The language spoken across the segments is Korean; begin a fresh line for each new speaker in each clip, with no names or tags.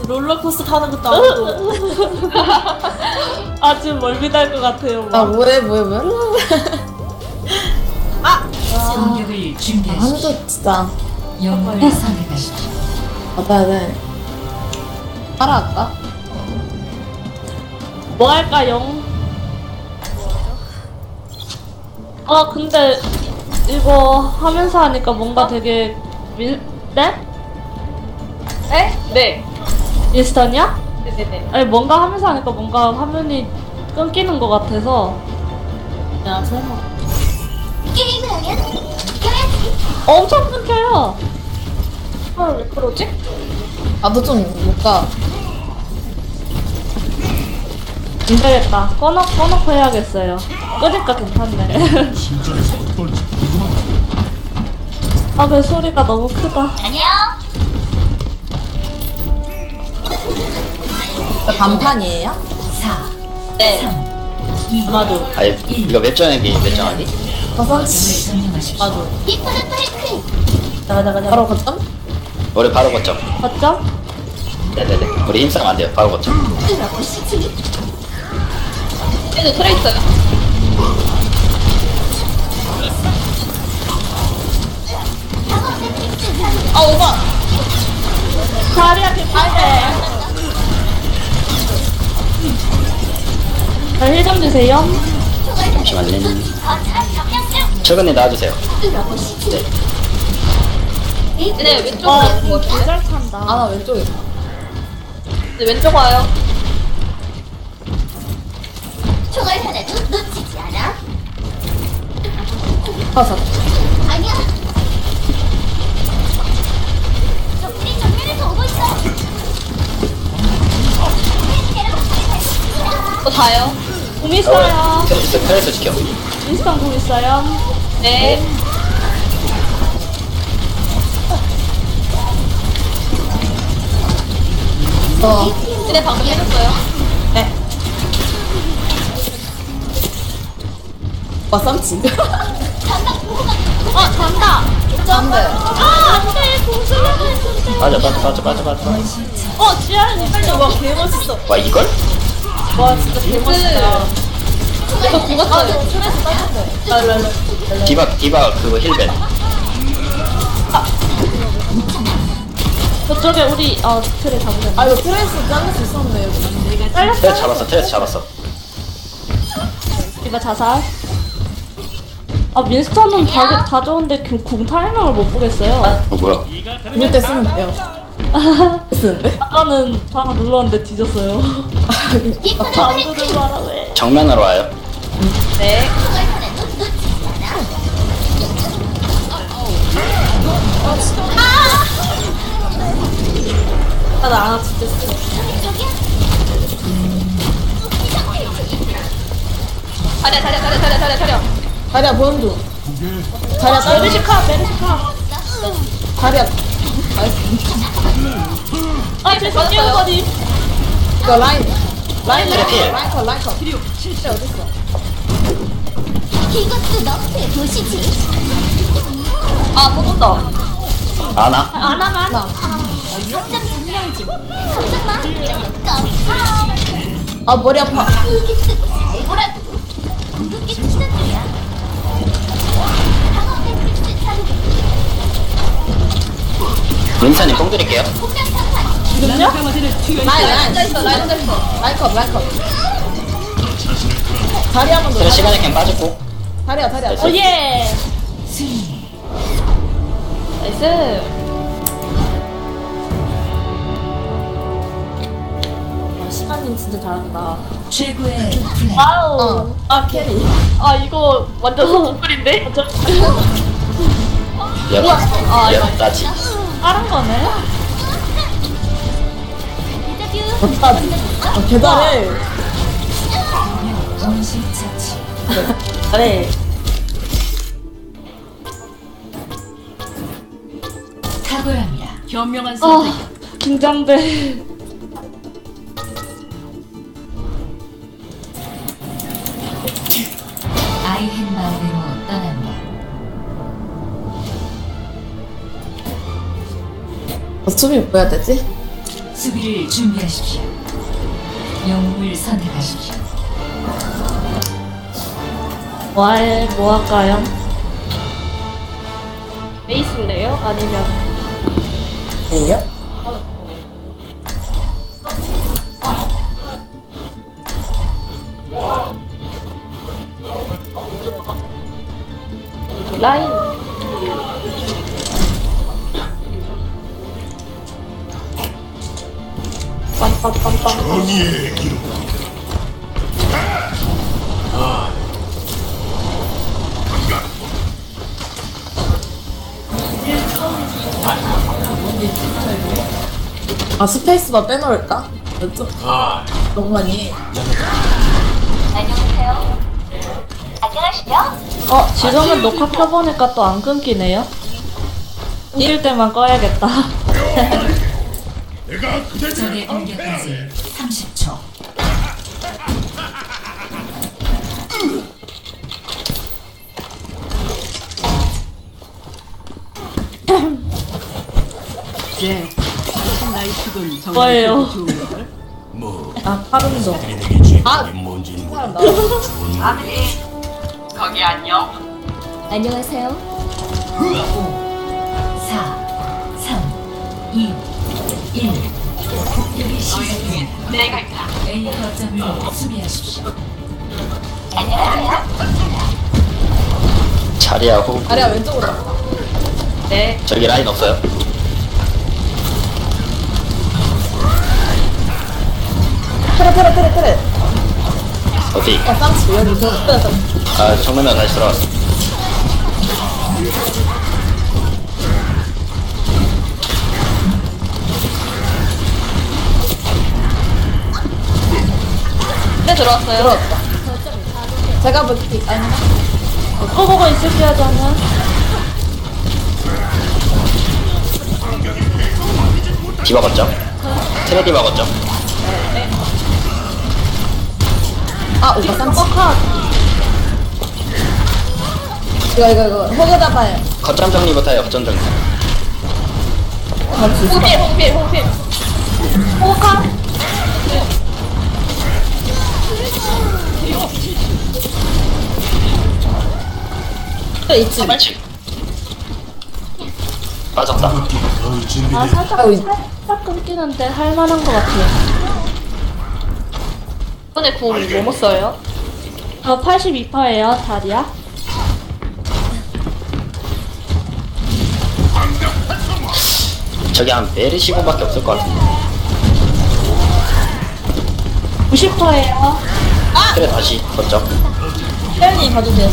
롤러코스터 타는 것도 아무도.
아주 멀미날 것 같아요.
아
막.
뭐해
공격을 준비하십시오.
한조 진짜
영웅을 선택하십시오.
받아야 돼. 따라할까?
뭐 할까요? 아 근데 이거 하면서 하니까 뭔가 되게 네?
네.
인스턴이야?
네네네.
아니 뭔가 하면서 하니까 뭔가 화면이 끊기는 것 같아서
야 설마.
게임을 하면 이겨야지.
엄청 끊겨요.
헐 왜 그러지?
나도 좀 못 가.
안 되겠다. 꺼놓고 해야겠어요. 끄니까 괜찮네. 아, 그 소리가 너무 크다.
안녕.
반판이에요?
4,
네.
3, 2,
아마도.
아니 이거 몇 장이기 몇 장하기?
버섯치.
점령하십시오.
아마도.
이쁘는 파이크.
나가.
바로 거점?
우리 바로 거점.
맞죠?
네네네. 우리 힘싸움 안 돼요. 바로 거점.
들어보시지.
얘도 트레 있어요. 아 오바.
다리야, 개판데. 힐좀 주세요.
잠시만요.
거창 점령중.
최근에 나와주세요.
들어보시지.
네 왼쪽으로 뭐
개잘 찬다.
아 나 왼쪽에.
네, 왼쪽 와요.
총알 하나도 놓치지 않아.
버섯.
아니야. 적들이 정면에서 오고 있어.
또 다요.
공 있어요.
트레스 지켜.
인스턴 공 있어요.
네. 네 방금 해줬어요.
버섯치.
아, 잔다.
안돼.
아, 안 돼. 공 쓰려고 했는데.
맞아.
지아는 빨리
와 개멋있어.
와 이걸?
와 진짜 개멋있다. 이거 죽었어요. 트레스 따는데.
디바 그거 힐벤.
저쪽에 우리 틀에 잡으면.
아 이거 트레이스 자를 수 있었는데 여기.
잘렸어?
트레스 잡았어.
이거 자살. 아, 민스턴은 다 좋은데 공 타이밍을 못 보겠어요.
뭐야?
이럴 때 쓰면 돼요. 쓰는데?
아까는 하나 눌렀는데 뒤졌어요.
이쁘는
안
파이크.
누르고 하라 왜?
정면으로 와요.
네.
총알 하나도 놓치지 않아.
나 진짜 쓰.
저기야.
차려.
다리야 보는 중. 다리야 다리.
메르시카.
다리야.
아, 죄송 깨워버리.
이거 라인. 라인
트래필.
라인컷. 진짜 어딨어?
이것도 너프에 보시지.
아 뽑았다.
아나?
안 하면.
거점 점령 중. 걱정 마. 이러면 껌.
아 머리 아파.
이게 쓰고 잘 보라고. 궁극기 시작이야. 방어 매트릭스 사용.
민찬님 뽕 드릴게요.
공격 상판.
지금요?
혼자 있어. 라인 혼자 있어.
라인컷. 다리 한번 더.
트레스 시간에 그냥 빠졌고.
다리야.
예.
승리.
나이스.
시간님 진짜 잘한다.
최고의 플레이.
와우.
아 캐리.
아, 이거 완전 소금물인데?
야 따지.
다른 거네?
데자뷰.
대단해.
원시 처치.
잘해.
탁월합니다. 현명한
아, 긴장돼.
아이헨마을로 떠납니다.
춤이 뭐 해야 되지?
수비를 준비하십시오. 영웅을 선택하십시오.
뭐 할까요?
베이스인데요? 아니면
A요?
라인. 빰빰빰빰.
아 스페이스바 빼놓을까? 좀 너무 많이 해.
안녕하세요. 안녕하시죠?
지금은 녹화 켜보니까 또 안 끊기네요. 끊길 때만 꺼야겠다.
적의 공격까지 30초.
뭐예요?
아 파른도
안녕하세요.
4, 3, 2, 1. 공격이 시작됩니다. 내가 있다. A 거점을 수비하십시오.
자리하고
아래야 왼쪽으로 가.
네.
저기 라인 없어요?
테레
어디?
쌍치 여기 저
아 정면으로 다시 들어왔어.
네, 들어왔어요.
들어왔다. 제가 볼게 아니
꺼보고 있을게요, 저는.
디바 걷죠? 트레 디바 걷죠?
아 오빠 쌍치 이거 호그 잡아요.
거점 정리부터 해요. 거점 정리.
홍필, 홍필, 홍필.
있지.
그렇지. 빠졌다.
아, 살짝 끊기는데 할만한 것 같아요.
이번에 궁 뭐뭐 써요?
저 82%예요, 다리야.
저기 한 메르시곤밖에 없을 것 같은데.
90%예요.
그래 다시 걷죠.
혜연이 봐주세요.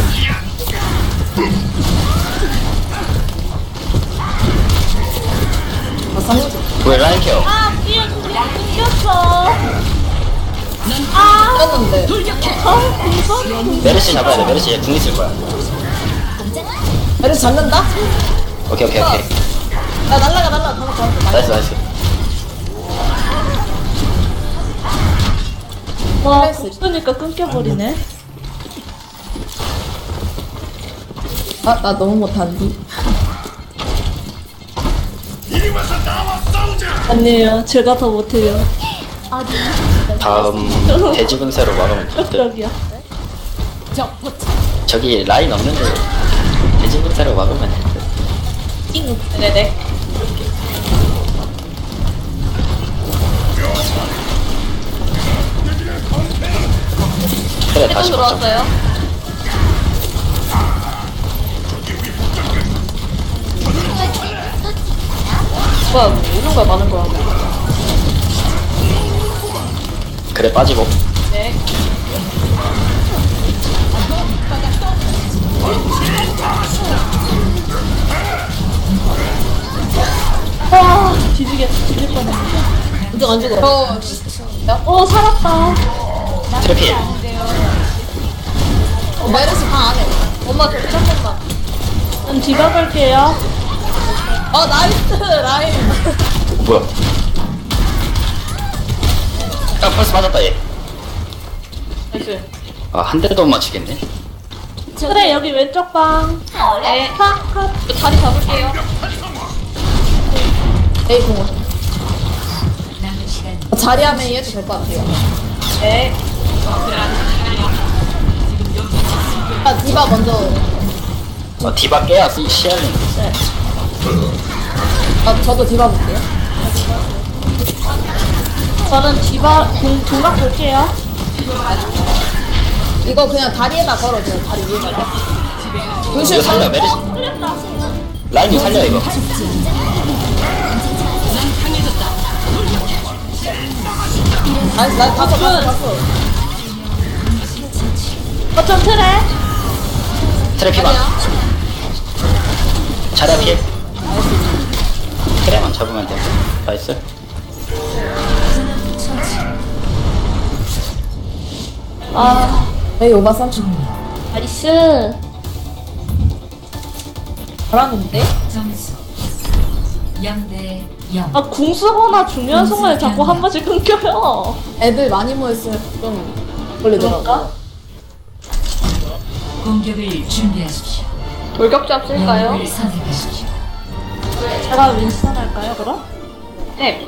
아 쌍치
왜 라인 케어?
떴는데
메르시 잡아야 돼. 메르시 얘궁 있을 거야.
얘를 잡는다?
오케이.
나 날라가 방금
나이스.
와, 그러니까 끊겨버리네.
아나 너무 못한디.
아니에요, 제가 더 못해요.
다음 돼지 분쇄로 막으면 될 듯.
여기요.
저기 라인 없는데 돼지 분쇄로 막으면 될 듯.
네네.
그래
해도
다시 걷죠.
들어왔어요. 뭐야, 뭐 이런 거야, 많은 거야.
그래 빠지고.
네.
와, 뒤질 뻔했네.
이쪽 안 죽어.
살았다.
트래필.
메르시 방 안에.
엄마, 저 잠깐만.
전 뒤바갈게요.
나이스 라인.
뭐야? 아 벌써 맞았다 얘.
나이스.
아 한 대도 못 맞추겠네.
그래, 여기 왼쪽 방.
네.
컷.
저 자리 잡을게요.
에이 공원. 자리야 메이 해도 될 것 같아요.
네.
아, 디바 먼저.
디바 깨야 시야는.
아, 저도 디바 볼게요.
저는 디바 공각 볼게요.
이거 그냥 다리에다 걸어줘요. 다리 위에다가. 루시오
이거 살려 메르시. 라인이 살려 이거.
아니, 나 봤어.
어쩜 트레?
트래피만. 자리야 필. 트래만 잡으면 돼. 나이스.
아,
메이 오바 30.
나이스.
잘하는데?
점수 0대 0.
아, 궁 쓰거나 중요한 순간에 자꾸 한 번씩 끊겨요.
애들 많이 모였으면 좀 걸리더라고.
그런가?
공격을 준비하십시오.
돌격잡 쓸까요?
영웅을 선택하십시오.
제가 윈스턴 할까요, 그럼?
네.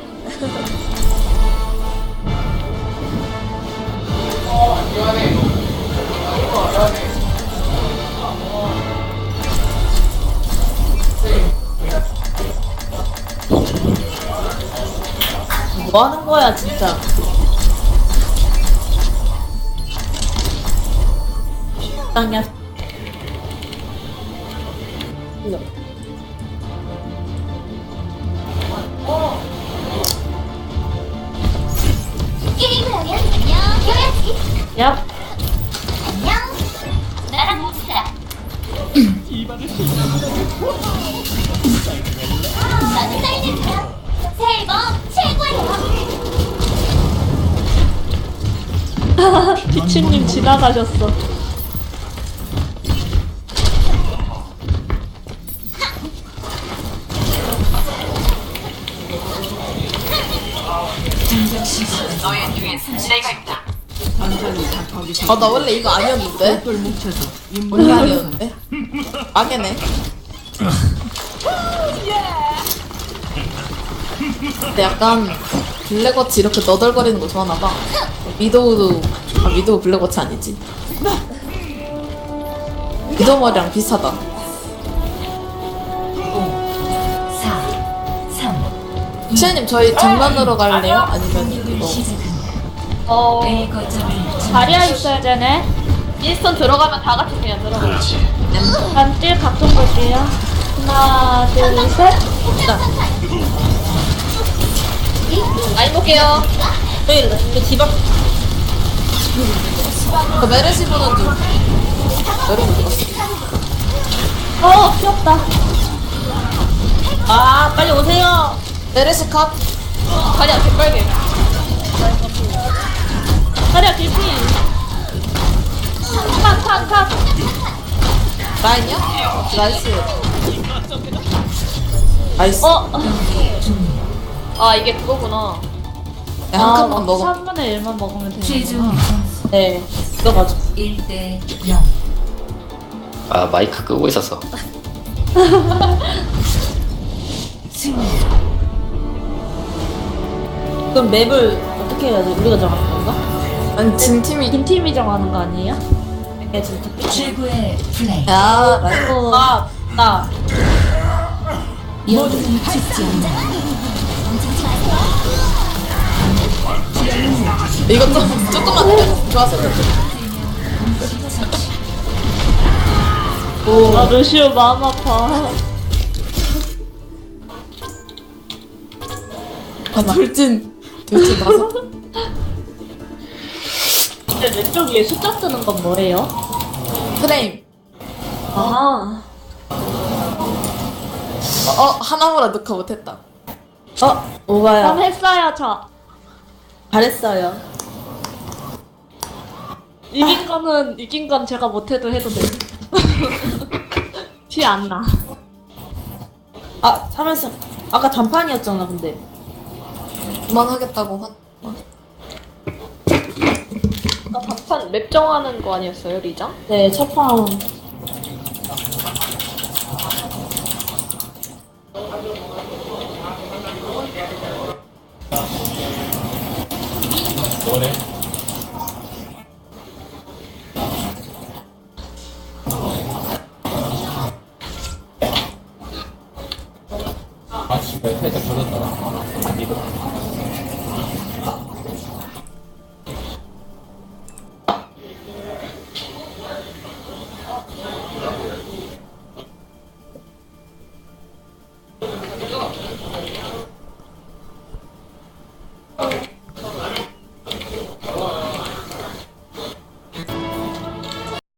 뭐 하는 거야, 진짜. 땅이야. 이거.
게임을 하면 안녕. 해야지.
얍.
안녕. 나랑 mov시다. 나는 딸내미야. 새해 복 최고예요.
피치님 지나가셨어.
공격 시작.
아, 나 원래 이거 아니었는데? 원래 아니었는데? 망했네. 근데 약간 블랙워치 이렇게 너덜거리는 거 좋아하나봐. 미도우도, 아, 미도우 블랙워치 아니지. 미도우 머리랑 비슷하다.
4, 3,
시아님, 저희 장난으로 갈래요? 아니면 이거.
시작합니다. A 거점을
자리야 있어야 되네.
인스턴 들어가면 다 같이 그냥 들어가요.
반딜 각종 볼게요. 하나, 둘, 셋.
라인 볼게요.
저 메르시 보는 중. 메르시 보는
귀엽다.
아, 빨리 오세요. 메르시 컵.
자리야 개빨개.
자리야 길피. 컷.
라인이요? 나이스. 나이스.
아 이게 그거구나.
네, 한 칸만 먹어.
3분의 1만 먹으면
최종
되는구나.
점수
네. 이거 가져.
1대 0.
아 마이크 끄고 있었어.
승리.
그럼 맵을 어떻게 해야지? 우리가 정하는 건가? 아니, 진 팀이.
긴 팀이 정하는 거 아니에요?
최고의 플레이.
야, 라이프. 나.
모두는 죽지 않는다.
이거 좀, 조금만 더 좋았어.
아, 루시오 마음 아파.
아, 돌진 나서.
근데 왼쪽 위에 숫자 뜨는 건 뭐예요?
프레임.
아.
하나보다 녹화 못했다.
그럼
오바야.
했어요, 저.
잘했어요.
이긴 건 제가 못해도 해도 돼. 티 안 나.
아, 3연승. 아까 단판이었잖아, 근데. 그만하겠다고
아까 단판 맵 정하는 거 아니었어요 리장?
네, 첫 판.
뭐래? 아, 씨발, 살짝 걸렸다. 이거.